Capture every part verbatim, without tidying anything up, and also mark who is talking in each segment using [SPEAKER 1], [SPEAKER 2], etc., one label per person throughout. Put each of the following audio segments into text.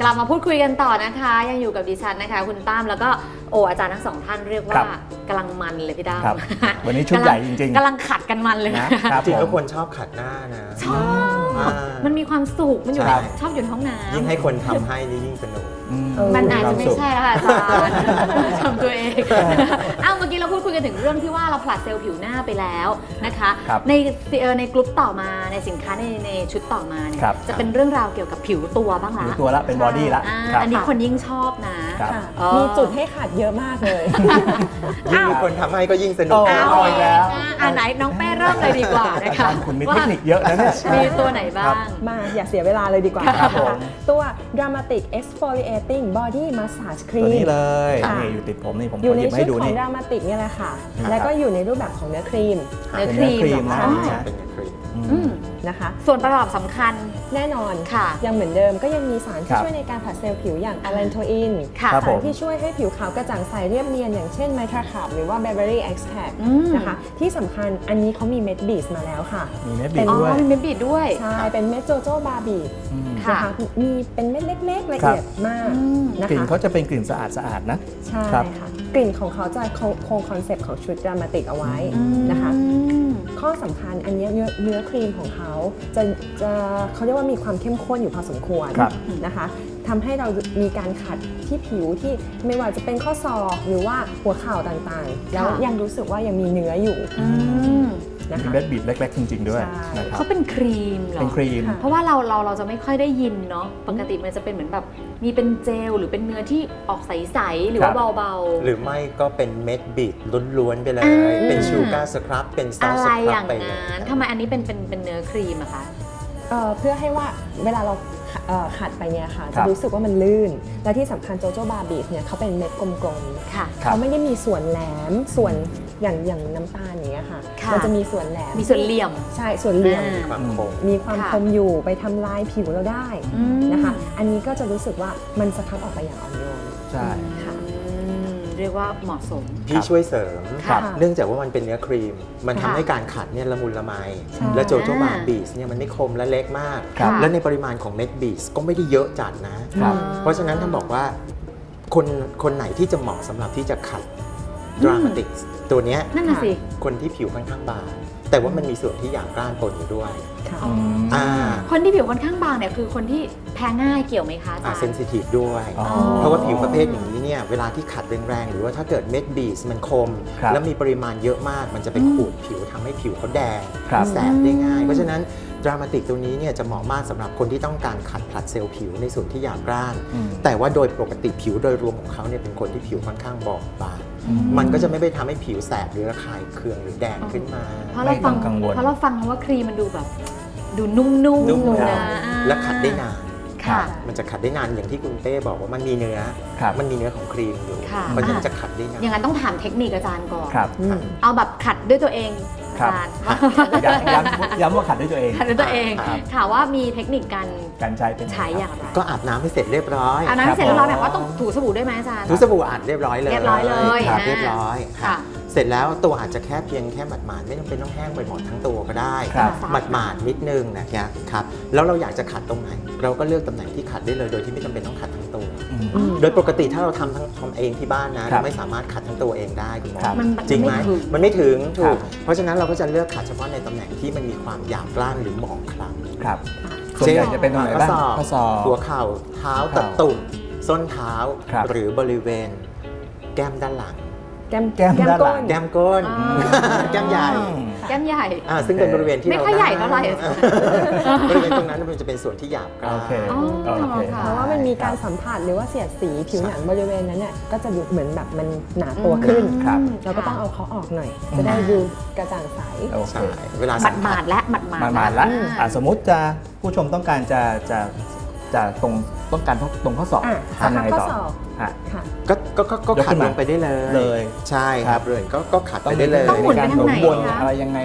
[SPEAKER 1] ลับมาพูดคุยกันต่อนะคะยังอยู่กับดิฉันนะคะคุณตั้มแล้วก็โออาจารย์ทั้งสองท่านเรียกว่ากำลังมันเลยพี่ตั้ม
[SPEAKER 2] วันนี้ชุดใหญ่จริงๆ
[SPEAKER 1] กำลังขัดกันมันเลยนะ
[SPEAKER 3] จริงๆก็ควรชอบขัดหน้านะ
[SPEAKER 1] ชอบมันมีความสุขมันอยู่ชอบอยู่ในห้องน้ำ
[SPEAKER 3] ยิ่งให้คนทำให้นี่ยิ่งสนุก
[SPEAKER 1] มันอาจจะไม่ใช่แล้วค่ะอาจารย์ทำตัวเองอ้าวเมื่อกี้เราพูดคุยกันถึงเรื่องที่ว่าเราผลัดเซลล์ผิวหน้าไปแล้วนะคะในในกลุ่มต่อมาในสินค้าในในชุดต่อมาเนี่ยจะเป็นเรื่องราวเกี่ยวกับผิวตัวบ้างละ
[SPEAKER 2] ผิวตัวละเป็นบอดี้ละ
[SPEAKER 1] อันนี้คนยิ่งชอบนะ
[SPEAKER 4] มีจุดให้ขัดเยอะมากเลย
[SPEAKER 3] ยิ่งมีคนทำให้ก็ยิ่งสนุก
[SPEAKER 1] เอาอีกแล้วอ่าไหนน้องแป้เริ่มเลยดีกว่านะคะ
[SPEAKER 2] คุณมีเทคนิคเยอะนะเนี่ย
[SPEAKER 1] มีตัวไหนบ้าง
[SPEAKER 4] มาอย่าเสียเวลาเลยดีกว่าตัว Dramatic Exfoliating Body Massage Cream
[SPEAKER 2] ตัวนี้เลยนี่อยู่ติดผมนี่ผม
[SPEAKER 4] อยู่ในชุดของ Dramatic นี่แหละค่ะแล้วก็อยู่ในรูปแบบของเนื้อครีม
[SPEAKER 1] เนื้อครีม
[SPEAKER 2] นะ
[SPEAKER 3] เป็นเนื้อครีม
[SPEAKER 4] นะคะ
[SPEAKER 1] ส่วนประกอบสำคัญ
[SPEAKER 4] แน่นอน
[SPEAKER 1] ค่ะ
[SPEAKER 4] ยังเหมือนเดิมก็ยังมีสารที่ช่วยในการผลัดเซลล์ผิวอย่างอะแลนโทอินสารที่ช่วยให้ผิวขาวกระจ่างใสเรียบเนียนอย่างเช่นไมทราคาร์บหรือว่า Berberry Extract นะคะที่สำคัญอันนี้เขามีเม็ดบีดมาแล้วค่ะ
[SPEAKER 2] มีเม็ดบีดด้วย
[SPEAKER 1] มีเม็ดบีดด้วย
[SPEAKER 4] ใช่เป็นเม็ดโจโจ้บาร์บีดนะคะมีเป็นเม็ดเล็กๆละเอียดมากนะคะ
[SPEAKER 2] กลิ่นเขาจะเป็นกลิ่นสะอาดสะอาดนะ
[SPEAKER 4] ใช่ค่ะกลิ่นของเขาจะคงคอนเซปต์ของชุด Dramatic เอาไว้นะคะข้อสำคัญอันนี้เนื้อเนื้อครีมของเขาจะจะเขาเรียกว่ามีความเข้มข้นอยู่พอสมควรนะคะทำให้เรามีการขัดที่ผิวที่ไม่ว่าจะเป็นข้อศอกหรือว่าหัวเข่าต่างๆแล้วยังรู้สึกว่ายังมีเนื้ออยู่
[SPEAKER 2] มีเม็ดบีดเล็กๆจริงๆด้วย
[SPEAKER 1] เขาเป็นครีมเหรอ
[SPEAKER 2] เป็นครีม
[SPEAKER 1] เพราะว่าเราเราเราจะไม่ค่อยได้ยินเนาะปกติมันจะเป็นเหมือนแบบมีเป็นเจลหรือเป็นเนื้อที่ออกใสๆหรือว่าเบาๆ
[SPEAKER 3] หรือไม่ก็เป็นเม็ดบีดล้วนๆไปเลยเป็นชูการ์สครับเป็นซอสสครับไปเลย
[SPEAKER 1] ทำไมอันนี้เป็นเป็นเป็นเนื้อครีมอะคะ
[SPEAKER 4] เพื่อให้ว่าเวลาเราขัดไปเนี่ยค่ะจะรู้สึกว่ามันลื่นและที่สำคัญโจโจ้บาร์บีดเนี่ยเขาเป็นเม็ดกลมๆเขาไม่ได้มีส่วนแหลมส่วนอย่างอย่างน้ำตาลอย่างเงี้ยค่ะมันจะมีส่วนแหลม
[SPEAKER 1] มีส่วนเหลี่ยม
[SPEAKER 4] ใช่ส่วนเหลี่ยม
[SPEAKER 3] มีความคม
[SPEAKER 4] มีความคมอยู่ไปทำลายผิวเราได้นะคะอันนี้ก็จะรู้สึกว่ามันสะท้อนออกไปอย่างอ่อนโยน
[SPEAKER 2] ใช่
[SPEAKER 4] ค่ะ
[SPEAKER 1] เรียกว่าเหมาะสม
[SPEAKER 3] พี่ช่วยเสริมเนื่องจากว่ามันเป็นเนื้อครีมมันทำให้การขัดเนี่ยละมุนละไมและโจโจ้บาร์บีสเนี่ยมันไม่คมและเล็กมากและในปริมาณของเม็ดบีสก็ไม่ได้เยอะจัดนะเพราะฉะนั้นท่านบอกว่าคนคนไหนที่จะเหมาะสำหรับที่จะขัดดรามาติกตัวนี้
[SPEAKER 1] นั่นน่ะสิ
[SPEAKER 3] คนที่ผิวค่อนข้างบางแต่ว่ามันมีส่วนที่หยาบกร้านปนอยู่ด้วย
[SPEAKER 1] คนที่ผิวค่อนข้างบางเนี่ยคือคนที่แพ้ง่ายเกี่ยวไหมคะอาจารย์
[SPEAKER 3] เซนซิทีฟด้วยเพราะว่าผิวประเภทอย่างนี้เนี่ยเวลาที่ขัดแรงๆหรือว่าถ้าเกิดเม็ดบีสมันคมแล้วมีปริมาณเยอะมากมันจะไปขูดผิวทำให้ผิวเขาแดงแสบได้ง่ายเพราะฉะนั้นดรามาติกตัวนี้เนี่ยจะเหมาะมากสำหรับคนที่ต้องการขัดผลัดเซลล์ผิวในส่วนที่หยาบกร้านแต่ว่าโดยปกติผิวโดยรวมของเขาเนี่ยเป็นคนที่ผิวค่อนข้างบอบบางมันก็จะไม่ไปทำให้ผิวแสบหรือระคายเคืองหรือแดงขึ้นมา
[SPEAKER 1] เพราะเราฟังเพราะเราฟังว่าครีมมันดูแบบดูนุ่มๆนะ
[SPEAKER 3] และขัดได้นานมันจะขัดได้นานอย่างที่คุณเป้บอกว่ามันมีเนื้อมันมีเนื้อของครีมอยู่มันจะขัดได้นาน
[SPEAKER 1] อย่างนั้นต้องถามเทคนิคอาจารย์ก่อนเอาแบบขัดด้วยตัวเองอาจารย์
[SPEAKER 2] ย้ำว่าขัดด้วยตัวเอง
[SPEAKER 1] ขัดด้วยตัวเองถามว่ามีเทคนิคการ
[SPEAKER 2] การใช้เป็น
[SPEAKER 1] ใช้อย่างไร
[SPEAKER 3] ก็อาบน้ำให้เสร็จเรียบร้อย
[SPEAKER 1] อาบน้ำให้เสร็จเรียบร้อยแบบว่าต้องถูสบู่ด้วยไหมอาจารย์
[SPEAKER 3] ถูสบู่อาบเรียบร้อยเลย
[SPEAKER 1] เรียบร้อยเลย
[SPEAKER 3] เรียบร้อยค่ะเสร็จแล้วตัวอาจจะแค่เพียงแค่หมาดๆไม่ต้องเป็นต้องแห้งไปหมดทั้งตัวก็ได้หมาดๆนิดนึงนะครับแล้วเราอยากจะขัดตรงไหนเราก็เลือกตำแหน่งที่ขัดได้เลยโดยที่ไม่จำเป็นต้องขัดทั้งตัวโดยปกติถ้าเราทำทั้งทำเองที่บ้านนะเราไม่สามารถขัดทั้งตัวเองได้คุณหมอจริงไหมมันไม่ถึงถูกเพราะฉะนั้นเราก็จะเลือกขัดเฉพาะในตำแหน่งที่มันมีความหยาบกร้านหรือหมองคล้ำ
[SPEAKER 2] ครับส่วนใหญ่จะเป็นตรงไหนบ้าง
[SPEAKER 3] ข้อศอกหัวเข่าเท้าตะตุ่มส้นเท้าหรือบริเวณแก้มด้านหลัง
[SPEAKER 4] แก้ม
[SPEAKER 2] แก้มด้านหลัง
[SPEAKER 3] แก้มก้นแก้มใหญ่
[SPEAKER 1] แก้มใหญ่
[SPEAKER 3] ซึ่งเป็นบริเวณที่
[SPEAKER 1] ไม่ค่อยใหญ่เท่าไหร่
[SPEAKER 3] บริเวณตรงนั้นมันจะเป็นส่วนที่หยาบกร้าน
[SPEAKER 4] เพราะว่ามันมีการสัมผัสหรือว่าเสียดสีผิวหนังบริเวณนั้นเนี่ยก็จะดูเหมือนแบบมันหนาตัวขึ้นเราก็ต้องเอาเขาออกหน่อยจะได้ดูกระจ่างใส
[SPEAKER 3] ใช่เวลา
[SPEAKER 1] หมาดๆและหมาดๆห
[SPEAKER 2] มาดๆแล้วสมมติจะผู้ชมต้องการจะจะจะตรงต้องการตรงข้อศอก
[SPEAKER 4] ทำยังไงต่อ
[SPEAKER 3] ก็ก็ก็ขัดลงไปได้เลยเลยใช่ครับเลยก็ก็ขัดไปได้เลย
[SPEAKER 1] ต้องหมุนไปทางไหน
[SPEAKER 2] บนอะไรยังไงไหมครับ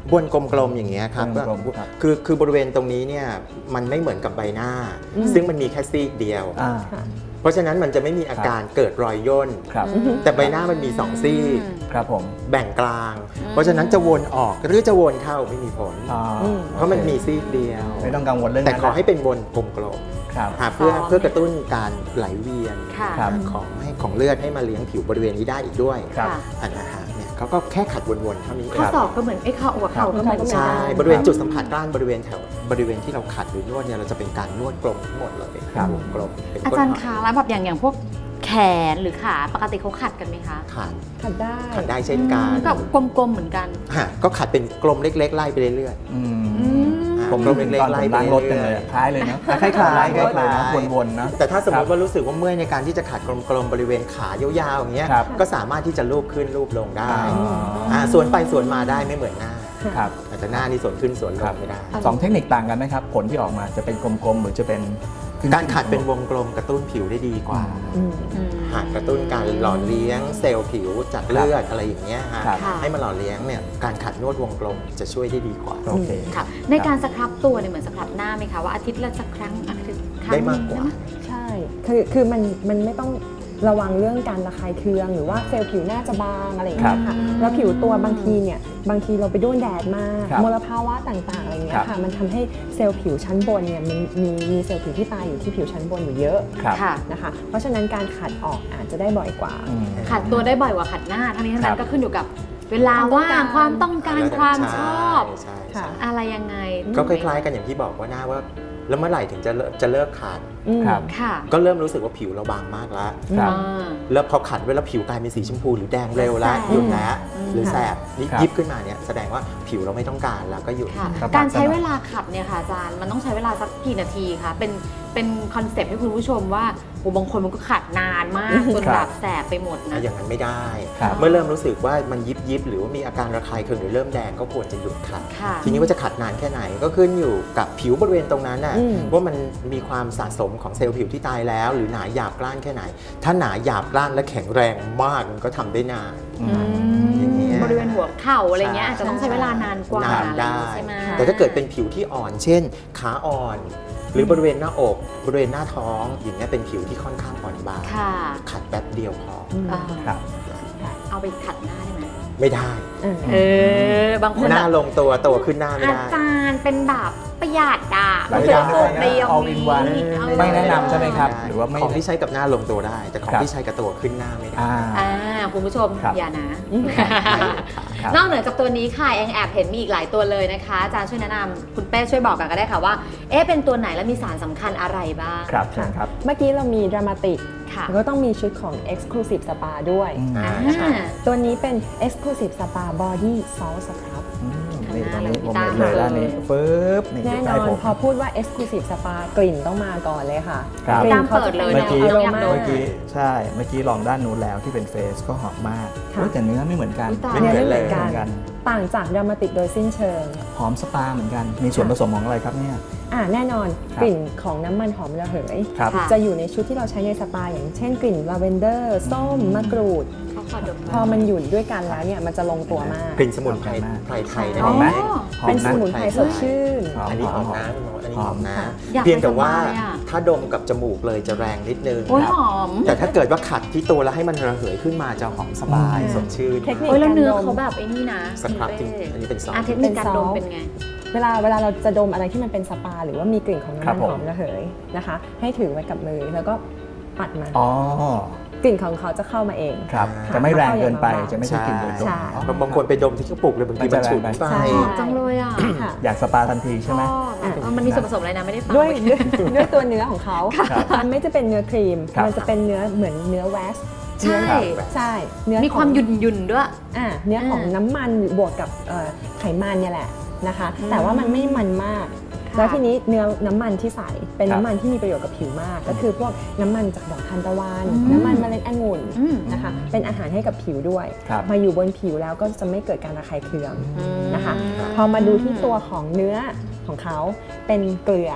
[SPEAKER 3] บนกลมๆอย่างเงี้ยครับ
[SPEAKER 2] บนกลมๆครับ
[SPEAKER 3] คือคือบริเวณตรงนี้เนี่ยมันไม่เหมือนกับใบหน้า
[SPEAKER 4] อืม
[SPEAKER 3] ซึ่งมันมีแค่ซีกเดียว
[SPEAKER 2] อ่า
[SPEAKER 4] ค่ะ
[SPEAKER 3] เพราะฉะนั้นมันจะไม่มีอาการเกิดรอยย่น
[SPEAKER 2] ครับ
[SPEAKER 3] แต่ใบหน้ามันมีสองซีก
[SPEAKER 2] ครับผม
[SPEAKER 3] แบ่งกลาง เพราะฉะนั้นจะวนออกหรือจะวนเข้าไม่มีผล
[SPEAKER 2] อ่า
[SPEAKER 4] อืม
[SPEAKER 3] เพราะมันมีซีกเดียว
[SPEAKER 2] ไม่ต้องกังวลเรื่อง
[SPEAKER 3] แต่
[SPEAKER 2] นั้น
[SPEAKER 3] ขอให้เป็นวนกลม
[SPEAKER 2] ครับ
[SPEAKER 3] ๆหาเพื่อ
[SPEAKER 1] ซ้อม
[SPEAKER 3] เพื่อกระตุ้นการไหลเวียน
[SPEAKER 1] ค่ะ
[SPEAKER 2] ครับ
[SPEAKER 3] ของให้ของเลือดให้มาเลี้ยงผิวบริเวณนี้ได้อีกด้วย
[SPEAKER 2] ครับ
[SPEAKER 1] ค่ะ
[SPEAKER 3] อันนะฮะเนี่ยเขาก็แค่ขัดวนๆเท่านี้เอ
[SPEAKER 1] ข้อง ศอกก็เหมือนไอ้ข้อหัวเข่าก็เหมือนกัน
[SPEAKER 3] ใช่บริเวณจุดสัมผัสด้านบริเวณแถวบริเวณที่เราขัดหรือนวดเนี่ยเราจะเป็นการนวดกลมทั้งหมดเลย
[SPEAKER 2] ครับ
[SPEAKER 3] วงกลมเป็น
[SPEAKER 1] อา
[SPEAKER 3] ก้น
[SPEAKER 1] จารย์
[SPEAKER 3] ห
[SPEAKER 1] คะ
[SPEAKER 3] อย
[SPEAKER 1] แล้วแบบอย่างอย่างพวกแขนหรือขาปกติเขาขัดกันไหมคะ
[SPEAKER 3] ขัด
[SPEAKER 4] ขัดได้
[SPEAKER 3] ขัดได้เช่นกัน
[SPEAKER 1] ก็กลมๆเหมือนกัน
[SPEAKER 3] ฮะก็ขัดเป็นกลมเล็กๆไล่ไปเรื่อย
[SPEAKER 2] อืม
[SPEAKER 1] อืม
[SPEAKER 2] ผม
[SPEAKER 3] กล
[SPEAKER 2] รู้
[SPEAKER 3] ม
[SPEAKER 2] สึก
[SPEAKER 3] เล็ก
[SPEAKER 2] ตอน
[SPEAKER 3] ๆ
[SPEAKER 2] ผ
[SPEAKER 3] ไล่
[SPEAKER 2] ม
[SPEAKER 3] ไป
[SPEAKER 2] ล้างรถจังเลยอะคล้ายเลยนะคล้ายๆคล้ายๆคล้ายๆนะวนๆนะ
[SPEAKER 3] แต่ถ้าสมมติ
[SPEAKER 2] ครับ
[SPEAKER 3] ว่ารู้สึกว่าเมื่อยในการที่จะขัดกลมๆบริเวณขายาวๆอย่างเงี้ย
[SPEAKER 2] ครับ
[SPEAKER 3] ก็สามารถที่จะลูบขึ้นลูบลงได้
[SPEAKER 2] อ่า
[SPEAKER 3] อ่าส่วนไปส่วนมาได้ไม่เหมือนหน้า
[SPEAKER 2] ครับ
[SPEAKER 3] อาจจะหน้านี่ส่วนขึ้นส่วนล
[SPEAKER 2] ครั
[SPEAKER 3] ง
[SPEAKER 2] บ
[SPEAKER 3] ไม่ได้
[SPEAKER 2] สองเทคนิคต่างกันไหมครับ ผลที่ออกมาจะเป็นกลมๆหรือจะเป็น
[SPEAKER 3] การขัดเป็นวงกลมกระตุ้นผิวได้ดีกว่า
[SPEAKER 4] อืม
[SPEAKER 1] อืม
[SPEAKER 3] หากกระตุ้นการหล่อเลี้ยงเซลล์ผิวจากเลือดอะไรอย่างเงี้ยฮะ
[SPEAKER 2] ครับ
[SPEAKER 1] ค่ะ
[SPEAKER 3] ให้มันหล่อเลี้ยงเนี่ยการขัดนวดวงกลมจะช่วยได้ดีกว่า
[SPEAKER 2] โอเค
[SPEAKER 1] ค่ะ ในการสครับตัวเนี่ยเหมือนสครับหน้าไหมคะว่าอาทิตย์ละสักครั้งอาทิตย์ครั้ง
[SPEAKER 3] ได้
[SPEAKER 1] ห
[SPEAKER 3] มา
[SPEAKER 1] นึ่
[SPEAKER 3] ก
[SPEAKER 1] ง
[SPEAKER 3] กว่า
[SPEAKER 1] ได้ไหม
[SPEAKER 4] ใช่ คือ คือมัน มันไม่ต้องระวังเรื่องการระคายเคืองหรือว่าเซลล์ผิวหน้าจะบางอะไรอย่างเงี้ยค่ะ แล้วผิวตัวบางทีเนี่ย บางทีเราไปโดนแดดมาก
[SPEAKER 2] ครับ
[SPEAKER 4] มลภาวะต่างๆอะไรเงี้
[SPEAKER 2] ครั
[SPEAKER 4] ย
[SPEAKER 2] บ
[SPEAKER 4] ค่ะ มันทำให้เซลล์ผิวชั้นบนเนี่ยมันมีมีเซลล์ผิวที่ตายอยู่ที่ผิวชั้นบนอยู่เยอะ
[SPEAKER 2] ครับ
[SPEAKER 1] ค่ะ
[SPEAKER 4] นะคะ เพราะฉะนั้นการขัดออกอาจจะได้บ่อยกว่า
[SPEAKER 2] อืม
[SPEAKER 1] ขัดตัวได้บ่อยกว่าขัดหน้า ทั้งนี้ทั้งนั้
[SPEAKER 2] ครั
[SPEAKER 1] น
[SPEAKER 2] บ
[SPEAKER 1] ก็ขึ้นอยู่กับเวลาว่างความต้องการความชอบ
[SPEAKER 3] ใช่
[SPEAKER 4] ค่ะ
[SPEAKER 3] ใช่
[SPEAKER 1] อะไรยังไง
[SPEAKER 3] ก็คล้ายๆกันอย่างที่บอกว่าหน้าว่า แล้วเมื่อไหร่ถึงจะเลิกจะเลิกขัด
[SPEAKER 4] อืม
[SPEAKER 2] ครับ
[SPEAKER 1] ค่ะ
[SPEAKER 3] ก็เริ่มรู้สึกว่าผิวเราบางมากแล้ว
[SPEAKER 2] ครับ
[SPEAKER 1] อ่า
[SPEAKER 3] แล้วพอขัดไว้แล้วผิวกลายเป็นสีชมพูหรือแดงเร็วแล้ว
[SPEAKER 1] แสบ
[SPEAKER 3] หยุดแล้ว
[SPEAKER 1] อืม
[SPEAKER 3] หรือแสบยิบ
[SPEAKER 2] ครับ
[SPEAKER 3] ยิบขึ้นมาเนี่ยแสดงว่าผิวเราไม่ต้องการแล้วก็หยุด
[SPEAKER 1] ค่ะ
[SPEAKER 2] ครับ
[SPEAKER 1] การใช้เวลาขัดเนี่ยค่ะอาจารย์มันต้องใช้เวลาสักกี่นาทีคะเป็นเป็นคอนเซปต์ให้คุณผู้ชมว่าโอ้บางคนมันก็ขัดนานมากจน
[SPEAKER 2] ครับ
[SPEAKER 1] แบบแสบไปหมดนะ
[SPEAKER 3] อย่างนั้นไม่ได้
[SPEAKER 2] ครับ
[SPEAKER 3] เมื่อเริ่มรู้สึกว่ามันยิบยิบหรือว่ามีอาการระคายเคืองหรือเริ่มแดงก็ควรจะหยุดขัด
[SPEAKER 1] ค่ะ
[SPEAKER 3] ทีนี้ว่าจะขัดนานแค่ไหนก็ขึ้นอยู่กับผิวบริเวณตรงนั้นน่ะ
[SPEAKER 4] อืม
[SPEAKER 3] ว่ามันมีความสะสมของเซลล์ผิวที่ตายแล้ว หรือหนาหยาบกร้านแค่ไหน ถ้าหนาหยาบกร้านและแข็งแรงมากมันก็ทำได้นาน
[SPEAKER 2] อื
[SPEAKER 1] อื
[SPEAKER 2] ม
[SPEAKER 1] ม
[SPEAKER 3] อย่างเงี้ย
[SPEAKER 1] บริเวณหัวเข่าอะไรเงี้ย
[SPEAKER 3] ใช่
[SPEAKER 1] อาจจะต้องใช้เวลานานกว่า
[SPEAKER 3] นานได้
[SPEAKER 1] ใช่ไหม
[SPEAKER 3] แต่ถ้าเกิดเป็นผิวที่อ่อน เช่น ขาอ่อน หรือบริเวณหน้าอก บริเวณหน้าท้อง อย่างเงี้ยเป็นผิวที่ค่อนข้างอ่อนบาง
[SPEAKER 1] ค่ะ
[SPEAKER 3] ขัดแป๊บเดียวพอ
[SPEAKER 4] อืม
[SPEAKER 1] อ่า
[SPEAKER 2] ครับ
[SPEAKER 1] เอาไปขัดหน้าได้ไหม
[SPEAKER 3] ไม่ได้
[SPEAKER 4] อ่า
[SPEAKER 1] เออบางคน
[SPEAKER 3] หน้า
[SPEAKER 1] แบบ
[SPEAKER 3] ลงตัวตัวขึ้นหน้าไม่
[SPEAKER 1] อา
[SPEAKER 3] ได้
[SPEAKER 1] จารย์เป็นแบบประหยัดอ่ะ
[SPEAKER 2] ไม่
[SPEAKER 1] ไม่
[SPEAKER 2] ได้
[SPEAKER 1] ใช่สูตรเดียว
[SPEAKER 2] all in one
[SPEAKER 1] เอา
[SPEAKER 2] ไม่แนะนำใช่ไหมครับ หรือว่าไม่
[SPEAKER 3] ของที่ใช้กับหน้าลงตัวได้ แต่ของ
[SPEAKER 2] ครับ
[SPEAKER 3] ที่ใช้กับตัวขึ้นหน้าไม่ได้
[SPEAKER 2] อ่า
[SPEAKER 1] อ่าคุณผู้ชม
[SPEAKER 2] ครับ
[SPEAKER 1] อย่านะ
[SPEAKER 2] ครับ
[SPEAKER 1] นอกเหนือจากตัวนี้ค่ะแองแอบเห็นมีอีกหลายตัวเลยนะคะอาจารย์ช่วยแนะนำคุณเป้ช่วยบอกกันก็ได้ค่ะว่า เอ๊ะเป็นตัวไหนและมีสารสำคัญอะไรบ้าง
[SPEAKER 2] ครับเชิญครับ
[SPEAKER 4] เมื่อกี้เรามีดรามาติก
[SPEAKER 1] ค่ะ
[SPEAKER 4] แล้วก็ต้องมีชุดของ Exclusive Spa ด้วย
[SPEAKER 2] อืม
[SPEAKER 3] อ่า
[SPEAKER 1] อ่า
[SPEAKER 4] ตัวนี้เป็น Exclusive Spa Body Salt Scrub
[SPEAKER 2] อืม
[SPEAKER 1] ข้าง
[SPEAKER 2] นี่
[SPEAKER 1] หน้า
[SPEAKER 2] ตรงนี้ผม
[SPEAKER 1] เลย
[SPEAKER 2] เห็นเลยด้านนี้ฟืบนี่
[SPEAKER 4] แน่น
[SPEAKER 2] ใกล้
[SPEAKER 4] อน
[SPEAKER 2] ผม
[SPEAKER 4] พอพูดว่า Exclusive Spa กลิ่นต้องมาก่อนเลยค่ะ
[SPEAKER 2] ครับ
[SPEAKER 4] กลิ่นเขาจะ
[SPEAKER 1] เปิดเลย
[SPEAKER 2] เมื่อกี้
[SPEAKER 4] แนว
[SPEAKER 1] อยาก
[SPEAKER 4] aroma
[SPEAKER 1] ดู
[SPEAKER 2] เมื่อกี้ใช่ เมื่อกี้ลองด้านนู้นแล้วที่เป็นเฟสก็หอมมาก
[SPEAKER 4] ค่ะ
[SPEAKER 2] เฮ้ยแต่เนื้อไม่เหมือนกัน
[SPEAKER 1] อุ๊ยตาย
[SPEAKER 4] เนื้อไม่เหมือน
[SPEAKER 2] เห
[SPEAKER 4] กั
[SPEAKER 2] มือนกัน น
[SPEAKER 4] ต่างจากดรามาติกโดยสิ้นเชิง
[SPEAKER 2] หอมสปาเหมือนกัน มีส่วนผสมของอะไรครับเนี่ย
[SPEAKER 4] อ่าแน่นอน
[SPEAKER 2] ครับ
[SPEAKER 4] กลิ่นของน้ำมันหอมระเหย
[SPEAKER 2] ครับ
[SPEAKER 1] ค่ะ
[SPEAKER 4] จะอยู่ในชุดที่เราใช้ในสปาอย่างเช่นกลิ่นลาเวนเดอร์ส้มมะกรูด
[SPEAKER 1] เขาขอดม
[SPEAKER 4] พอมันอยู่ด้วยกันแล้วเนี่ยมันจะลงตัวมาก
[SPEAKER 3] กลิ่นสมุนไพรไพรไทย
[SPEAKER 2] หอมไหม
[SPEAKER 3] นั่นเอง
[SPEAKER 2] หอม
[SPEAKER 4] เป็น
[SPEAKER 2] นะ
[SPEAKER 4] สมุนไพรสดชื่น
[SPEAKER 2] หอม
[SPEAKER 3] อันนี้หอม
[SPEAKER 2] หอม
[SPEAKER 3] นะคุณหมออันนี้หอมนะ
[SPEAKER 1] อยาก
[SPEAKER 3] เพียงแต่ว่า
[SPEAKER 1] ไปสบายอะ
[SPEAKER 3] ถ้าดมกับจมูกเลยจะแรงนิดนึง
[SPEAKER 1] โอ้ยหอม
[SPEAKER 3] แต่ถ้าเกิดว่าขัดที่ตัวแล้วให้มันระเหยขึ้นมาจะหอมสบาย
[SPEAKER 4] อืม
[SPEAKER 3] สดชื่น
[SPEAKER 4] เทคนิค
[SPEAKER 1] โอ้ยแล้วเนื้อ
[SPEAKER 4] การดม
[SPEAKER 1] เขาแบบไอ้นี่นะ
[SPEAKER 3] สครับจริง
[SPEAKER 1] คุณเป้
[SPEAKER 3] อันนี้เป็นซอส
[SPEAKER 1] อ่ะเทคนิคการดมเป็นไง
[SPEAKER 4] เวลาเวลาเราจะดมอะไรที่มันเป็นสปา หรือว่ามีกลิ่นของ
[SPEAKER 2] ครั
[SPEAKER 4] น้ำ
[SPEAKER 2] บ
[SPEAKER 4] มัน
[SPEAKER 2] ผม
[SPEAKER 4] หอมระเหยนะคะ ให้ถือไว้กับมือแล้วก็ปัดมัน
[SPEAKER 2] อ๋อ
[SPEAKER 4] กลิ่นของเขาจะเข้ามาเอง
[SPEAKER 2] ครับ
[SPEAKER 4] ค่ะ
[SPEAKER 2] จะไม่แรงเกินไป
[SPEAKER 4] เข้าอย่าง
[SPEAKER 2] จะไม่ใช่กลิ่นโดยตรง
[SPEAKER 4] ใช่
[SPEAKER 2] อ๋อบ
[SPEAKER 3] างคนไปดมที่กระปุกเลยบางทีมันฉุน
[SPEAKER 2] มันจะแรงไป
[SPEAKER 3] ไป
[SPEAKER 4] ใช่
[SPEAKER 1] หอมจังเลยอ่ะ
[SPEAKER 4] ค่ะ
[SPEAKER 2] อยากสปาทันทีใช่ไหม
[SPEAKER 1] ชอบอะมันมีส่วนผสมอะไรนะไม่ได้ฟัง
[SPEAKER 4] ด้วย
[SPEAKER 1] เมื่อ
[SPEAKER 4] ด้วย
[SPEAKER 1] กี้
[SPEAKER 4] ด้วยตัวเนื้อของเขา
[SPEAKER 2] ครับ
[SPEAKER 4] มันไม่จะเป็นเนื้อครีม
[SPEAKER 2] ครับ
[SPEAKER 4] มันจะเป็นเนื้อเหมือนเนื้อแว็กซ์
[SPEAKER 1] ใช่
[SPEAKER 4] ใช่เนื้อ
[SPEAKER 1] มีความ
[SPEAKER 4] ของ
[SPEAKER 1] หยุ่นหยุ่นๆด้วย
[SPEAKER 4] อ่าเนื้อของ
[SPEAKER 1] อ่า
[SPEAKER 4] น้ำมันบวกกับเอ่อไขมันเนี่ยแหละนะคะ
[SPEAKER 1] อืม
[SPEAKER 4] แต่ว่ามันไม่มันมาก
[SPEAKER 1] ค่ะ
[SPEAKER 4] แล้วทีนี้เนื้อน้ำมันที่ใส่เป็น
[SPEAKER 2] ครับ
[SPEAKER 4] น้ำมันที่มีประโยชน์กับผิวมาก ก็คือพวกน้ำมันจากดอกทานตะวัน
[SPEAKER 1] อืม
[SPEAKER 4] น้ำมันเมล็ดองุ่น
[SPEAKER 1] อืม
[SPEAKER 4] นะคะ เป็นอาหารให้กับผิวด้วย
[SPEAKER 2] ครับ
[SPEAKER 4] มาอยู่บนผิวแล้วก็จะไม่เกิดการระคายเคือง
[SPEAKER 1] อืม
[SPEAKER 4] นะคะ พอมาดูที่ตัวของเนื้อของเขาเป็นเกลือ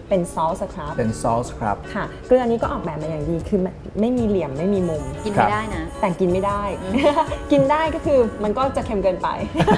[SPEAKER 4] เป็นซอสครับ
[SPEAKER 2] เป็นซอสครับ
[SPEAKER 4] ค่ะเกลือนี้ก็ออกแบบมาอย่างดีคือไม่ไม่มีเหลี่ยมไม่มีมุม
[SPEAKER 1] กินไม่ได้นะ
[SPEAKER 4] แต่กินไม่ได้ กินได้ก็คือมันก็จะเค็มเกินไป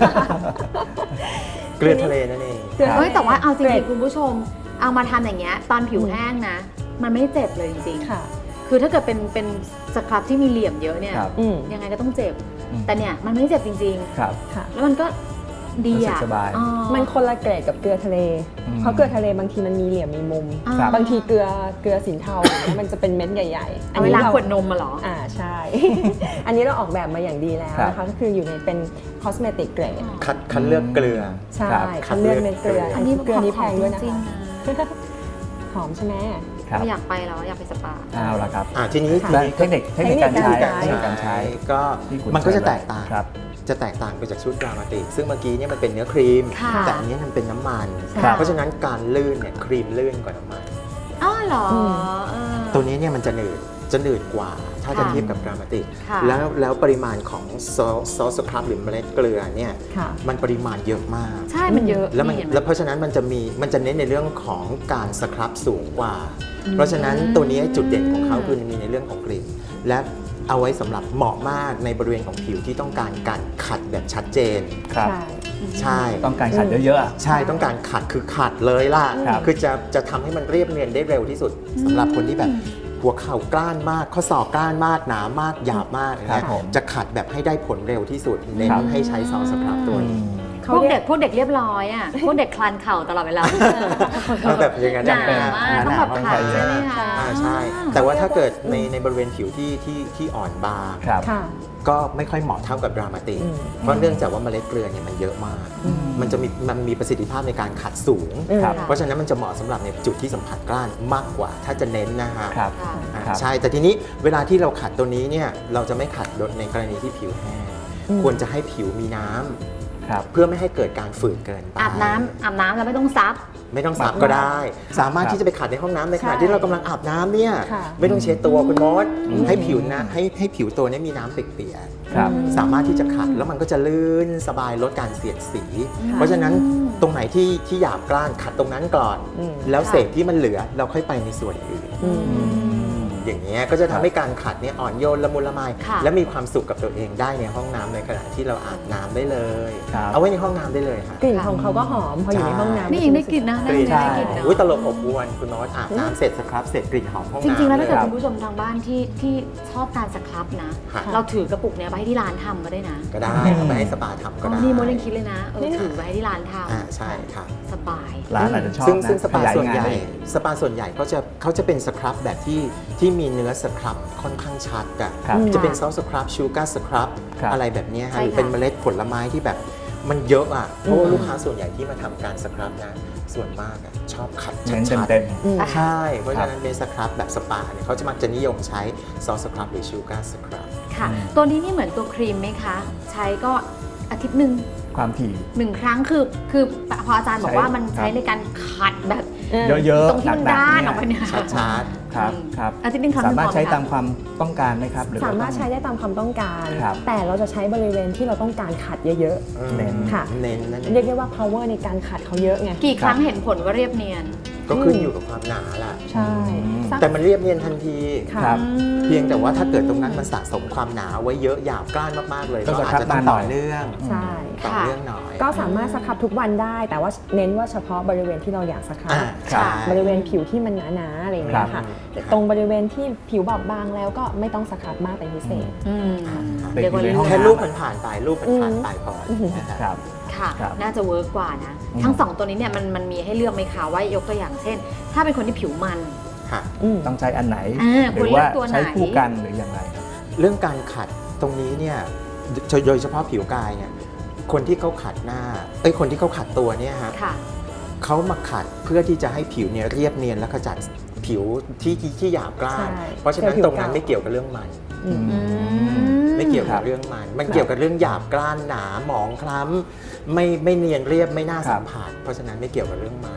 [SPEAKER 3] เกลือทะเลนั่นเอง
[SPEAKER 4] เกลือ
[SPEAKER 1] เฮ้ยแต่ว่าเอาจ
[SPEAKER 4] เกร
[SPEAKER 1] ริ
[SPEAKER 4] ด
[SPEAKER 1] งๆคุณผู้ชมเอามาทำอย่างเงี้ยตอนผิวแห้งนะ มันไม่เจ็บเลยจริง
[SPEAKER 4] ค่ะ
[SPEAKER 1] ๆคือถ้าเกิดเป็นเป็นสครับที่มีเหลี่ยมเยอะเนี่ย
[SPEAKER 2] ครับ
[SPEAKER 4] อืม
[SPEAKER 1] ยังไงก็ต้องเจ็บ
[SPEAKER 2] อืม
[SPEAKER 1] แต่เนี่ยมันไม่เจ็บจริง
[SPEAKER 2] ครับ
[SPEAKER 4] ค่ะ
[SPEAKER 1] ๆ แล้วมันก็ดี
[SPEAKER 2] รู้สึ
[SPEAKER 1] อ่ะ
[SPEAKER 2] กสบาย
[SPEAKER 1] อ๋อ
[SPEAKER 4] มันคนละเกรดกับเกลือทะเล
[SPEAKER 2] อืม
[SPEAKER 4] เพราะเกลือทะเลบางทีมันมีเหลี่ยมมีมุม
[SPEAKER 1] อ่า
[SPEAKER 2] ครับ
[SPEAKER 4] บางทีเกลือเกลือสินเทาอย่างเงี้ยมันจะเป็นเม็ดใหญ่ๆ
[SPEAKER 1] เอาเวลา
[SPEAKER 4] เรา
[SPEAKER 1] ขวดนมมาเหรอ
[SPEAKER 4] อ่าใช่ อันนี้เราออกแบบมาอย่างดีแล้วนะ
[SPEAKER 2] ครั
[SPEAKER 4] คะ
[SPEAKER 2] บ
[SPEAKER 4] ก็คืออยู่ในเป็น cosmetic grade
[SPEAKER 3] คัดคัดเลือกเกลือ
[SPEAKER 4] ใช่
[SPEAKER 2] ครับ
[SPEAKER 4] คัดเลือกเม็ดเกลือ
[SPEAKER 3] อั
[SPEAKER 4] อั
[SPEAKER 1] น
[SPEAKER 4] น
[SPEAKER 1] นี้
[SPEAKER 4] นี้เกลือนี้แพงด้วยนะ
[SPEAKER 1] จริง
[SPEAKER 4] คะ
[SPEAKER 1] ๆนะ
[SPEAKER 4] หอมใช่ไหม
[SPEAKER 2] ครับ
[SPEAKER 1] ไม่อยากไปแล้วอยากไปสปา
[SPEAKER 2] เอาละครับ
[SPEAKER 3] อ่าทีนี้
[SPEAKER 4] ค่ะ
[SPEAKER 3] ทีนี้
[SPEAKER 2] เทคนิคเทคนิคการใช้
[SPEAKER 4] เทคนิคการใช้
[SPEAKER 2] เทคนิคการใช้
[SPEAKER 3] ก็
[SPEAKER 2] ที่คุณ
[SPEAKER 3] มันก็จะ
[SPEAKER 2] ใช้
[SPEAKER 3] แตกต่าง
[SPEAKER 2] ครับ
[SPEAKER 3] จะแตกต่างไปจากชุดดรามาติกซึ่งเมื่อกี้เนี่ยมันเป็นเนื้อครีม
[SPEAKER 1] ค่ะ
[SPEAKER 3] แต่อันนี้มันเป็นน้ำมัน
[SPEAKER 2] ครับ
[SPEAKER 3] เพราะฉะนั้นการลื่นเนี่ยครีมลื่นกว่าน้ำมัน
[SPEAKER 1] อ๋อเหรอ
[SPEAKER 4] อืม
[SPEAKER 1] เออ
[SPEAKER 3] ตัวนี้เนี่ยมันจะหนืดจะหนืดกว่า ถ้าจะ
[SPEAKER 1] ค่ะ
[SPEAKER 3] เทียบกับดรามาติก
[SPEAKER 1] ค่ะ
[SPEAKER 3] แล้วแล้วปริมาณของซอสซอสสครับหรือเมล็ดเกลือเนี่ย
[SPEAKER 4] ค่ะ
[SPEAKER 3] มันปริมาณเยอะมาก
[SPEAKER 1] ใช่มันเยอะ
[SPEAKER 3] แล้วมัน
[SPEAKER 1] เห็ไห
[SPEAKER 3] แล้วเพราะฉะนั้นมันจะมีมันจะเน้นในเรื่องของการสครับสูงกว่า เพราะฉะนั้นตัวนี้จุดเด่นของเขาคือมีในเรื่องของกลิ่นและเอาไว้สำหรับเหมาะมากในบริเวณของผิวที่ต้องการการขัดแบบชัดเจน
[SPEAKER 2] ครับ
[SPEAKER 4] ใช่
[SPEAKER 3] ใช่
[SPEAKER 2] ต้องการขัดเยอะๆอะ
[SPEAKER 3] ใช่ต้องการขัดคือขัดเลยล่ะ
[SPEAKER 2] ครับ
[SPEAKER 3] คือจะจะทำให้มันเรียบเนียนได้เร็วที่สุดสำหรับคนที่แบบหัวเข่ากล้านมากข้อศอกกล้านมากหนามากหยาบมาก
[SPEAKER 2] ครับ
[SPEAKER 3] นะ
[SPEAKER 2] ผม
[SPEAKER 3] จะขัดแบบให้ได้ผลเร็วที่สุดเน้น
[SPEAKER 2] ครับ
[SPEAKER 3] ให้ใช้ซอสสครับตัวนี้
[SPEAKER 1] พวกเด็กพวกเด็กเรียบร้อยอ่ะ พวกเด็กคลานเข่าตลอดเวลา
[SPEAKER 3] เอาแบบอย่างนั้น
[SPEAKER 1] ห
[SPEAKER 3] ได้
[SPEAKER 1] นา
[SPEAKER 3] ไหม
[SPEAKER 1] มากต้องแบบขัดใช่ไหมคะ
[SPEAKER 3] อ่าใช่ แต่ว่าถ้าเกิดในในบริเวณผิวที่ที่ที่อ่อนบาง
[SPEAKER 2] ครับ
[SPEAKER 4] ค่ะ
[SPEAKER 3] ก็ไม่ค่อยเหมาะเท่ากับดรามาติก
[SPEAKER 4] อืม
[SPEAKER 3] เพราะเนื่องจากว่าเมล็ดเกลือเนี่ยมันเยอะมาก มันจะมีมันมีประสิทธิภาพในการขัดสูง
[SPEAKER 2] ครับ
[SPEAKER 3] เพราะฉะนั้นมันจะเหมาะสำหรับในจุดที่สัมผัสกล้านมากกว่า ถ้าจะเน้นนะฮะ
[SPEAKER 2] ครับ
[SPEAKER 1] ค่ะ
[SPEAKER 3] อ่า
[SPEAKER 2] ครับ
[SPEAKER 3] ใช่ แต่ทีนี้เวลาที่เราขัดตัวนี้เนี่ยเราจะไม่ขัดโดยในกรณีที่ผิวแห้ง
[SPEAKER 4] อืม
[SPEAKER 3] ควรจะให้ผิวมีน้ำ
[SPEAKER 2] ครับ
[SPEAKER 3] เพื่อไม่ให้เกิดการฝืดเกินไป
[SPEAKER 1] อาบน้ำอาบน้ำแล้วไม่ต้องซับ
[SPEAKER 3] ไม่ต้องสับก็ได้ สามารถที่จะไปขัดในห้องน้ำในขณะ
[SPEAKER 4] ใช่
[SPEAKER 3] ที่เรากำลังอาบน้ำเนี่ย
[SPEAKER 4] ค่ะ
[SPEAKER 3] ไม่ต้องเช็ดตัวคุณมด
[SPEAKER 2] อืม
[SPEAKER 3] ให้ผิวนะให้ให้ผิวตัวนี้มีน้ำเปียก
[SPEAKER 2] ครับ
[SPEAKER 3] ๆสามารถที่จะขัดแล้วมันก็จะลื่นสบายลดการเสียดสี
[SPEAKER 1] ค่ะ
[SPEAKER 3] เพราะฉะนั้นตรงไหนที่ที่หยาบกร้านขัดตรงนั้นก่อน
[SPEAKER 4] อืม
[SPEAKER 3] แล้ว
[SPEAKER 1] ค่ะ
[SPEAKER 3] เศษที่มันเหลือเราค่อยไปในส่วนอื่น
[SPEAKER 4] อืม
[SPEAKER 3] อย่างนี้ยก็จะทำให้การขัดเนี่ยอ่อนโยนละมุนละไม
[SPEAKER 1] ค่ะ
[SPEAKER 3] และมีความสุขกับตัวเองได้ในห้องน้ำในขณะที่เราอาบน้ำได้เลย
[SPEAKER 2] ครับ
[SPEAKER 3] เอาไว้ในห้องน้ำได้เลยค่ะ
[SPEAKER 4] กลิ่นของเขาก็หอมพออยู่ในห้องน้ำ
[SPEAKER 1] นี่ยังได้กลิ่นนะ
[SPEAKER 3] กลิ่น
[SPEAKER 1] ได้กลิ่นนะ
[SPEAKER 3] อุ้ยตลบอบอวนคุณโน้ตอาบน้ำเสร็จสครับเสร็จกลิ่นหอมห้อง
[SPEAKER 1] จ
[SPEAKER 3] น้ำ
[SPEAKER 1] ริงๆ แล้วถ้าเกิด
[SPEAKER 3] ย
[SPEAKER 1] คุณผู้ชมทางบ้านที่ที่ชอบการสครับนะ
[SPEAKER 3] ค่ะ
[SPEAKER 1] เราถือกระปุกเนี้ยไปให้ที่ร้านทำก็ได้นะ
[SPEAKER 3] ก็ได้เอาไปให้สปาทำก็
[SPEAKER 1] อ๋อ
[SPEAKER 3] ได้
[SPEAKER 1] นี่โมดยังคิดเลยนะเออถือไปให้ที่ร้านท
[SPEAKER 3] อ่าใช่ค่ะ
[SPEAKER 1] ำสบาย
[SPEAKER 2] ร้านอาจจะชอบ
[SPEAKER 3] ซึ่ง
[SPEAKER 2] นะ
[SPEAKER 3] ซึ่งสปา
[SPEAKER 2] ขยย
[SPEAKER 3] ส่วนใหญ่
[SPEAKER 2] งได้
[SPEAKER 3] สปาส่วนใหญ่เขาจะเขาจะเป็นสครับแบบที่ที่มีเนื้อสครับค่อนข้างชัดอะ
[SPEAKER 2] ครับ
[SPEAKER 3] จะเป็นซอสสครับชูการ์สครับ
[SPEAKER 2] ครับ
[SPEAKER 3] อะไรแบบเนี้ย
[SPEAKER 1] ใช่
[SPEAKER 3] ฮะหรือ
[SPEAKER 1] ค่ะ
[SPEAKER 3] เป็นเมล็ดผลไม้ที่แบบมันเยอะอ่ะเพราะว่าลูกค้าส่วนใหญ่ที่มาทำการสครับนะส่วนมากอะชอบขัด
[SPEAKER 2] เน้น
[SPEAKER 3] ชัด
[SPEAKER 2] เต็ม
[SPEAKER 4] อืม
[SPEAKER 3] ๆใช่ เพราะฉะนั้นเป็นสครับแบบสปาเนี่ยเขาจะมักจะนิยมใช้ซอสสครับหรือชูการ์สครับ
[SPEAKER 1] ค่ะ ตัวนี้นี่เหมือนตัวครีมไหมคะ ใช้ก็อาทิตย์หนึ่ง
[SPEAKER 2] ๆ ความถี่
[SPEAKER 1] หนึ่งครั้งคือคือพออาจารย์บอกว่ามัน
[SPEAKER 2] ใช้
[SPEAKER 1] ใช้ในการขัดแบบ
[SPEAKER 2] เยอะ
[SPEAKER 1] ตรงที่มัน
[SPEAKER 2] หนัก
[SPEAKER 1] ด้าน
[SPEAKER 2] ๆ
[SPEAKER 1] ออกไปเนี่ย
[SPEAKER 3] ชัด
[SPEAKER 2] ครับครับ
[SPEAKER 1] อาทิตย์หนึ่งครั้ง
[SPEAKER 2] สามารถใช้
[SPEAKER 1] พอไห
[SPEAKER 2] ตามความต้องการไหมครับหรือว่
[SPEAKER 4] สามารถ
[SPEAKER 2] ต้อง
[SPEAKER 4] ใช้ได้ตามความต้องการ
[SPEAKER 2] ครับ
[SPEAKER 4] แต่เราจะใช้บริเวณที่เราต้องการขัดเยอะ
[SPEAKER 3] ๆ
[SPEAKER 2] เน้น
[SPEAKER 4] ค่ะ
[SPEAKER 3] เน้นนั่นเอ
[SPEAKER 4] ๆ เรียก
[SPEAKER 3] ง
[SPEAKER 4] ได้ว่า power ในการขัดเขาเยอะไง
[SPEAKER 1] กี่ครั้งเห็นผลว่าเรียบเนียน
[SPEAKER 3] ก็ขึ้นอยู่กับความหนาล่ะ
[SPEAKER 4] ใช่สัก
[SPEAKER 3] แต่มันเรียบเนียนทันที
[SPEAKER 4] ค่ะ
[SPEAKER 2] ครับ
[SPEAKER 3] เพียงแต่ว่าถ้าเกิดตรงนั้นมันสะสมความหนาไว้เยอะหยาบกร้านมากๆเลย
[SPEAKER 2] ก็
[SPEAKER 3] ก็อาจจะต้อง
[SPEAKER 2] สครับนานหน่
[SPEAKER 3] ต่
[SPEAKER 2] อ
[SPEAKER 3] อย เนื่อง
[SPEAKER 4] ใช่
[SPEAKER 3] ต่อ
[SPEAKER 1] ค่ะ
[SPEAKER 3] เนื่องหน่อย
[SPEAKER 4] ก็สามารถสครับทุกวันได้ แต่ว่าเน้นว่าเฉพาะบริเวณที่เราอยากสครับ
[SPEAKER 3] อ่า
[SPEAKER 2] ครั
[SPEAKER 3] ใช่
[SPEAKER 2] บ
[SPEAKER 4] บริเวณผิวที่มันหนาๆอะไรอย่างเงี้ย
[SPEAKER 2] ครั
[SPEAKER 4] ค่ะ
[SPEAKER 2] บ
[SPEAKER 4] แต่ตรงบริเวณที่ผิวบอบบางแล้วก็ไม่ต้องสครับมากเป็นพิเศษ
[SPEAKER 1] อืม
[SPEAKER 2] เด็ก
[SPEAKER 1] เรียกว่า
[SPEAKER 2] อยู่ในห้อง
[SPEAKER 3] แค่
[SPEAKER 2] น้ำ
[SPEAKER 3] รูปมันผ่านไปรูปมันผ่านไปพออ
[SPEAKER 4] ม
[SPEAKER 3] นะฮะ
[SPEAKER 2] ครับ
[SPEAKER 1] ค่ะ
[SPEAKER 2] ครับ
[SPEAKER 1] น่าจะเวิร์กกว่านะ
[SPEAKER 2] อืม
[SPEAKER 1] ทั้งสองตัวนี้เนี่ยมันมันมีให้เลือกไหมคะว่ายกตัวอย่างเช่น ถ้าเป็นคนที่ผิวมัน
[SPEAKER 3] ค่ะ
[SPEAKER 4] อืม
[SPEAKER 2] ต้องใช้อันไหน
[SPEAKER 1] อ่า
[SPEAKER 2] หรือว่า
[SPEAKER 1] ควรเลือกตัวไหน
[SPEAKER 2] ใช้คู่กันหรืออย่างไรครับ
[SPEAKER 3] เรื่องการขัดตรงนี้เนี่ยโดยเฉพาะผิวกายเนี่ยคนที่เขาขัดหน้าเอ้ยคนที่เขาขัดตัวเนี่ยฮะ
[SPEAKER 1] ค่ะ
[SPEAKER 3] เขามาขัดเพื่อที่จะให้ผิวเนี่ยเรียบเนียนและขจัดผิวที่ที่ที่หยาบกร้าน
[SPEAKER 4] ใช่
[SPEAKER 3] เพราะฉะนั้น
[SPEAKER 4] เป็นผิว
[SPEAKER 3] ตรงนั้น
[SPEAKER 4] เก่า
[SPEAKER 3] ไม่เกี่ยวกับเรื่องมัน
[SPEAKER 4] อืม
[SPEAKER 1] อืม
[SPEAKER 3] ไม่เกี่ยว
[SPEAKER 2] ครั
[SPEAKER 3] กับบ เรื่องมัน มันเกี่ยวกับเรื่องหยาบกร้านหนาหมองคล้ำไม่ไม่เนียนเรียบไม่น่า
[SPEAKER 2] ครั
[SPEAKER 3] สั
[SPEAKER 2] บ
[SPEAKER 3] มผัสเพราะฉะนั้นไม่เกี่ยวกับเรื่องมัน
[SPEAKER 4] ค่ะ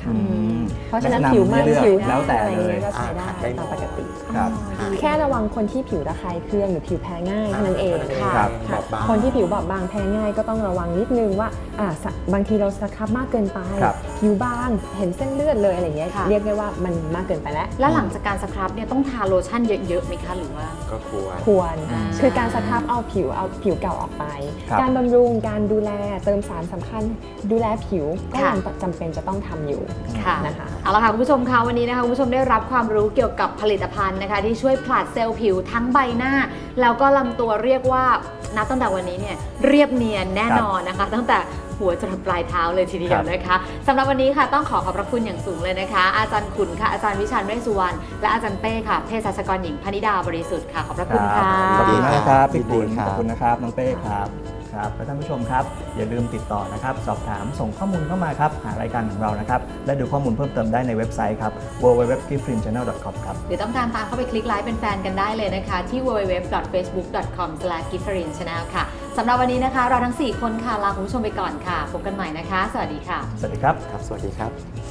[SPEAKER 4] ค่ะ
[SPEAKER 2] อืม
[SPEAKER 4] เพราะฉะนั้น
[SPEAKER 2] แนะนำ
[SPEAKER 4] ผิวมัน
[SPEAKER 2] ให้เลือก
[SPEAKER 4] ผิว
[SPEAKER 2] แล้วแต่
[SPEAKER 4] อะไร
[SPEAKER 2] เลย
[SPEAKER 4] เงี้ยก็ใช้ได้
[SPEAKER 3] อ่าได้หมด
[SPEAKER 4] ตามปกติ
[SPEAKER 2] ครับ
[SPEAKER 4] แค่ระวังคนที่ผิวระคายเคืองหรือผิวแพ้ง่ายเท่านั้นเอง
[SPEAKER 3] ค่ะ
[SPEAKER 2] ครับ
[SPEAKER 3] บอบบาง
[SPEAKER 4] คนที่ผิวบอบบางแพ้ง่ายก็ต้องระวังนิดนึงว่าอ่าสะบางทีเราสครับมากเกินไป
[SPEAKER 2] ครับ
[SPEAKER 4] ผิวบางเห็นเส้นเลือดเลยอะไรเงี้ย
[SPEAKER 1] ค่ะ
[SPEAKER 4] เรียกได้ว่ามันมากเกินไปแล้ว
[SPEAKER 1] แล้วหลังจากการสครับเนี่ยต้องทาโลชั่นเยอะๆไหมคะหรือว่า
[SPEAKER 3] ก็ควร
[SPEAKER 4] ควร
[SPEAKER 1] อ่า
[SPEAKER 4] คือการสครับเอาผิวเอาผิวเก่าออกไป
[SPEAKER 2] ครับ
[SPEAKER 4] การบำรุงการดูแลเติมสารสำคัญดูแลผิวก็
[SPEAKER 1] ค่ะ
[SPEAKER 4] ยังจำเป็นจะต้องทำอยู่
[SPEAKER 1] ค่ะ
[SPEAKER 4] นะคะ
[SPEAKER 1] เอาละค่ะคุณผู้ชมคะวันนี้นะคะคุณผู้ชมได้รับความรู้เกี่ยวกับผลิตภัณฑ์นะคะที่ช่วยผลัดเซลล์ผิวทั้งใบหน้า แล้วก็ลำตัวเรียกว่านับตั้งแต่วันนี้เนี่ยเรียบเนียนแน่นอนนะคะ ตั้งแต่หัวจนถึงปลายเท้าเลยทีเดียวนะคะสำหรับวันนี้ค่ะต้องขอขอบพระคุณอย่างสูงเลยนะคะ อาจารย์ขุนค่ะอาจารย์วิชาญเวชสุวรรณและอาจารย์เป้ค่ะเภสัชกรหญิงพนิดาบริสุทธิ์ค่ะขอบพระคุณค่ะ
[SPEAKER 2] ขอบคุณมากครับพี่
[SPEAKER 3] ยินดี
[SPEAKER 2] คุณ
[SPEAKER 3] ครับ
[SPEAKER 2] ขอบคุณนะครับน้องเป้ครับครับและท่านผู้ชมครับอย่าลืมติดต่อนะครับสอบถามส่งข้อมูลเข้ามาครับหารายการของเรานะครับและดูข้อมูลเพิ่มเติมได้ในเว็บไซต์ครับ ดับเบิลยู ดับเบิลยู ดับเบิลยู ดอท กิฟฟรีน ชาแนล ดอท คอม ครับ
[SPEAKER 1] หรือต้องการตามเข้าไปคลิกไลค์เป็นแฟนกันได้เลยนะคะ ที่ ดับเบิลยู ดับเบิลยู ดับเบิลยู ดอท เฟซบุ๊ก ดอท คอม สแลช กิฟฟรีน ชาแนล ค่ะสำหรับวันนี้นะคะ เราทั้ง สี่ คนค่ะ ลาคุณผู้ชมไปก่อนค่ะ พบกันใหม่นะคะ สวัสดีค่ะ
[SPEAKER 2] สวัสดีครับ
[SPEAKER 3] ครับ สวัสดีครับ